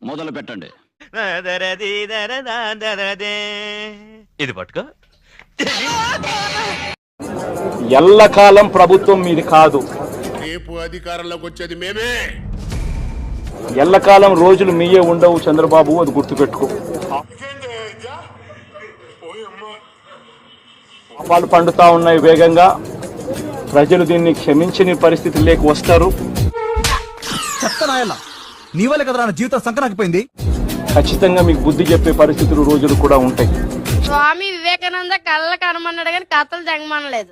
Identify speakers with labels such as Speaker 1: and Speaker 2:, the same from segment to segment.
Speaker 1: మొదలు పెట్టండి.
Speaker 2: ఇది పట్టుకో.
Speaker 3: ఎల్లకాలం ప్రభుత్వం మీది కాదు.
Speaker 4: రేపు అధికారంలోకి వచ్చేది మేమే.
Speaker 3: ఎల్లకాలం రోజులు మీయే ఉండవు చంద్రబాబు, అది గుర్తుపెట్టుకో. పాపాలు పండుతా ఉన్నాయి వేగంగా. ప్రజలు దీన్ని క్షమించని పరిస్థితి లేక వస్తారు.
Speaker 5: చెప్తానాయన నీ వల్ల కదరా నా జీవితం సంకనాకిపోయింది.
Speaker 3: ఖచ్చితంగా మీకు బుద్ధి చెప్పే పరిస్థితులు రోజులు కూడా ఉంటాయి.
Speaker 6: స్వామి వివేకానంద కళ్ళ కనమన్నాడు కానీ కథలు జగమనలేదు.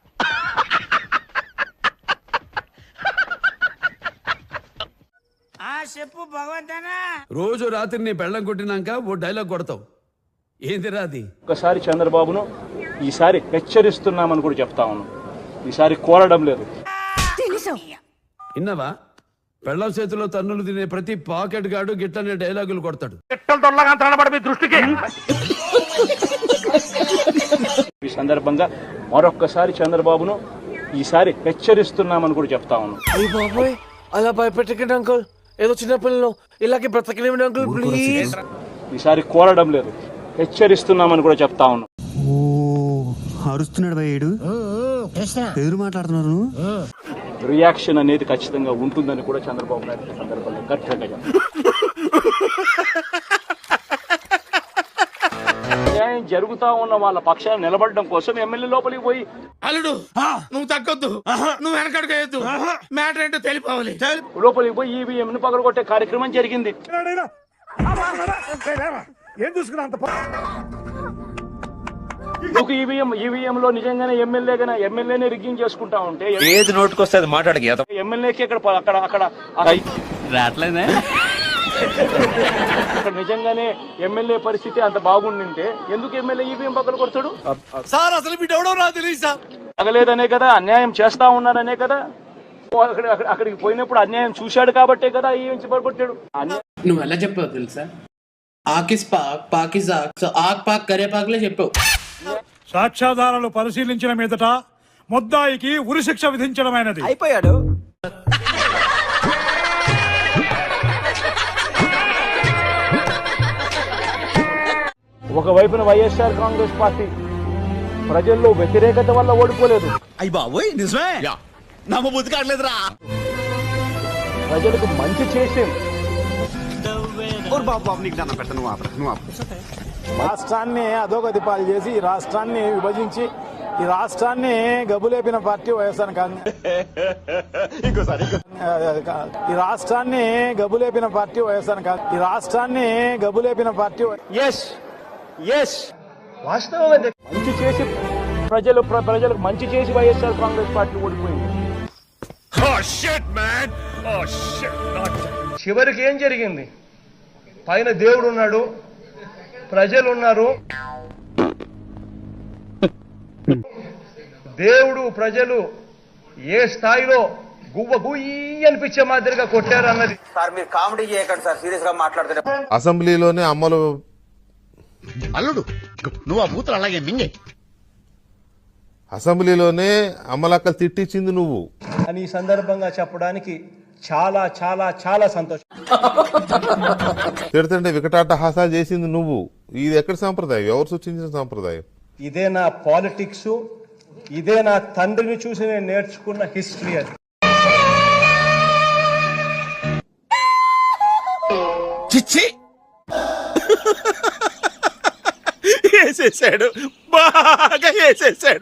Speaker 7: చెప్పు భగవంతనా.
Speaker 8: రోజు రాత్రి నీ పెళ్ళం కొట్టినాక ఓ డైలాగ్ కొడతావు, ఏందిరా అది?
Speaker 3: ఒకసారి చంద్రబాబును ఈసారి హెచ్చరిస్తున్నామని కూడా చెప్తా ఉన్నాం. ఈసారి కోరడం లేదు.
Speaker 8: విన్నావా? పెళ్ళం చేతిలో తన్నులు తినే ప్రతి పాకెట్ గాడు గిట్టనే డైలాగులు కొడతాడు.
Speaker 3: ఈ సందర్భంగా మరొక్కసారి చంద్రబాబును ఈసారి హెచ్చరిస్తున్నామని కూడా చెప్తా ఉన్నాం.
Speaker 7: అయ్యి బాబోయ్, అలా భయపెట్టకండి అంకుల్. ఏదో చిన్న పిల్లలు ఇలాగే బ్రతకలేమండి అంకుల్, ప్లీజ్.
Speaker 3: ఈసారి కోరడం లేదు, హెచ్చరిస్తున్నామని కూడా చెప్తా ఉన్నాం.
Speaker 5: అరుస్తున్నాడు భయ్యేడు, ఎదురు మాట్లాడుతున్నారు.
Speaker 3: రియాక్షన్ అనేది ఖచ్చితంగా ఉంటుందని కూడా చంద్రబాబు నాయుడు సందర్భంగా గట్టిగా న్యాయం జరుగుతా ఉన్న వాళ్ళ పక్షాన్ని నిలబడడం కోసం ఎమ్మెల్యే లోపలికి పోయి,
Speaker 4: అల్లుడు నువ్వు తగ్గొద్దు, నువ్వు వెనకడుగేయద్దు, మ్యాటర్ ఏంటో తెలిపోవాలి.
Speaker 3: లోపలికి పోయి ఈవీఎం ను పగలగొట్టే కార్యక్రమం జరిగింది. ఈవీఎం లో నిజంగానే ఎమ్మెల్యేనే రిగ్గింగ్ చేసుకుంటా ఉంటే
Speaker 2: ఏది నోటుకొస్తే అది మాట్లాడక
Speaker 3: ఎమ్మెల్యేకి అక్కడ
Speaker 1: రావట్లేదే.
Speaker 3: నిజంగానే ఎమ్మెల్యే పరిస్థితి అంత బాగుండింటే ఎందుకు ఎమ్మెల్యే ఈవీఎం పక్కన కొడతాడు?
Speaker 7: సార్ అసలు మీ ఎవడో నాకు తెలియదు సార్.
Speaker 3: తగలేదనే కదా, అన్యాయం చేస్తా ఉన్నారనే కదా. అక్కడికి పోయినప్పుడు అన్యాయం చూశాడు కాబట్టే కదా ఈవెంచి పడగొట్టాడు.
Speaker 9: నువ్వు ఎలా చెప్పావు తెలుసా? ఆకిస్ పాక్ పాకిజా, సో ఆక్ పాక్ కరే పాక్లే చెప్పావు.
Speaker 10: సాక్ష్యాధారాలు పరిశీలించిన మీదట ముద్దాయికి ఉరిశిక్ష విధించడమైనది.
Speaker 7: అయిపోయాడు.
Speaker 3: ఒకవైపున వైఎస్ఆర్ కాంగ్రెస్ పార్టీ ప్రజల్లో వ్యతిరేకత వల్ల ఓడిపోలేదు.
Speaker 5: అయ్యి బాబోయ్ నిజమే, నమ్మబుద్ధి కావట్లేదురా.
Speaker 3: ప్రజలకు మంచి చేసి
Speaker 10: రాష్ట్రాన్ని అధోగతి పాలు చేసి ఈ రాష్ట్రాన్ని విభజించి ఈ రాష్ట్రాన్ని గబులేపిన పార్టీ వైఎస్ఆర్ కాంగ్రెస్. ఈ రాష్ట్రాన్ని గబులేపిన పార్టీ వైఎస్ఆర్ కాంగ్రెస్. ఈ రాష్ట్రాన్ని గబులేపిన పార్టీ మంచి చేసి ప్రజలకు మంచి చేసి వైఎస్ఆర్ కాంగ్రెస్ పార్టీ ఓడిపోయింది.
Speaker 11: చివరికి ఏం జరిగింది? పైన దేవుడు ఉన్నాడు, ప్రజలు ఉన్నారు. దేవుడు ప్రజలు ఏ స్థాయిలో గువ్వ గుయ్యి అనిపించే మాదిరిగా కొట్టారు అన్నది.
Speaker 7: సార్ మీరు కామెడీ చేయకండి సార్, సీరియస్ గా మాట్లాడుతున్నారు.
Speaker 4: అసెంబ్లీలోనే అమ్మలు అల్లుడు నువ్వు ఆ బూతులు అలాగే మింగే. అసెంబ్లీలోనే అమ్మలక్కలు తిట్టించింది నువ్వు
Speaker 11: అని ఈ సందర్భంగా చెప్పడానికి చాలా చాలా చాలా సంతోషం.
Speaker 4: తిడుతుంటే వికటాటహాసాలు చేసింది నువ్వు. ఇది ఎక్కడ సాంప్రదాయం? ఎవరు సూచించిన సాంప్రదాయం?
Speaker 11: ఇదే నా పాలిటిక్స్, ఇదే నా తండ్రిని చూసి నేను నేర్చుకున్న హిస్టరీ. అది
Speaker 5: చిచ్చి
Speaker 7: వేసేసాడు, బాగా వేసేసాడు.